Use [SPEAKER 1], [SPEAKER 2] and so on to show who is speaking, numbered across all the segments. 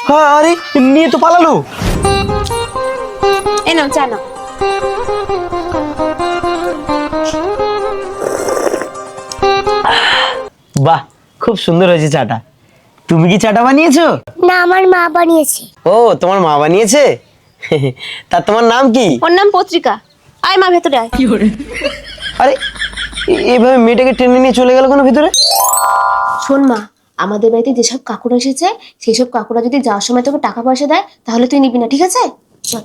[SPEAKER 1] হ্যাঁ, আরে নিয়ে তো পালালো।
[SPEAKER 2] এই নাও চা নাও।
[SPEAKER 1] বাহ, খুব সুন্দর হয়েছে চাটা। তুমি কি চাটা বানিয়েছো?
[SPEAKER 3] না, আমার মা বানিয়েছে।
[SPEAKER 1] ও, তোমার মা বানিয়েছে? তা তোমার নাম কি?
[SPEAKER 2] ওর নাম পত্রিকা। আয় মা, ভেতরে আয়।
[SPEAKER 1] আরে এইভাবে মেয়েটাকে টেনে নিয়ে চলে গেল কেন ভিতরে?
[SPEAKER 2] শোন মা, আমাদের বাড়িতে যেসব কাকুরা এসেছে সেই সব কাকুরা যদি যাওয়ার সময় তোকে টাকা পয়সা দেয় তাহলে তুই নিবি না, ঠিক আছে? চল।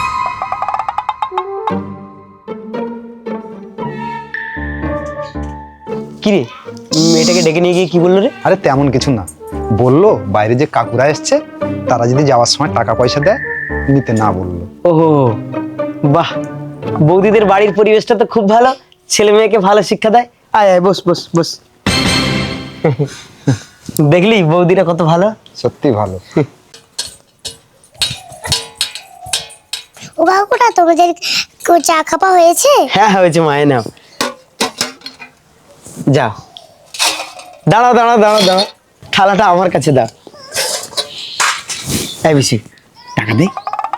[SPEAKER 1] কি রে, মেয়েটাকে ডেকে নিয়ে গিয়ে কি বললো রে?
[SPEAKER 4] আরে তেমন কিছু না, বললো বাইরে যে কাকুরা এসছে তারা যদি যাওয়ার সময় টাকা পয়সা দেয় নিতে না বললো।
[SPEAKER 1] ওহো, বাহ, বৌদিদের বাড়ির পরিবেশটা তো খুব ভালো, ছেলে মেয়েকে ভালো শিক্ষা দেয়। আয় আয়, বস বস বস। দেখলি বৌদিরা কত ভালো।
[SPEAKER 4] সত্যি ভালো।
[SPEAKER 3] ও কাকুটা, তোমাদের চা খাপা হয়েছে?
[SPEAKER 1] হ্যাঁ হয়েছে, মায়ে নাও। যাও, দাঁড়াও দাঁড়াও দাঁড়াও দাঁড়াও, থালাটা আমার কাছে দাও। এই বেশি টাকা দে।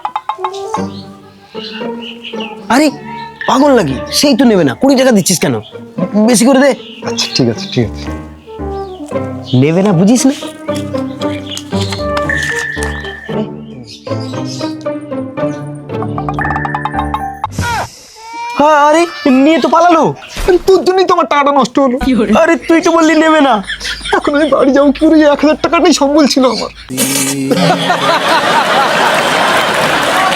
[SPEAKER 1] আরে পাগল নাকি, সেই তো নেবে না, 20 টাকা দিচ্ছিস কেন? বেশি করে দে।
[SPEAKER 4] আচ্ছা ঠিক আছে ঠিক আছে।
[SPEAKER 1] নেবে না বুঝিস না? হ্যাঁ, আরে নিয়ে তো পালালো।
[SPEAKER 4] আরে তোর জন্যই তো আমার টাকাটা নষ্ট হলো।
[SPEAKER 1] আরে তুই তো বললি নেবে না।
[SPEAKER 4] এখন আমি বাড়ি যাবো কি করে? 1000 টাকাটাই সম্বল ছিল আমার।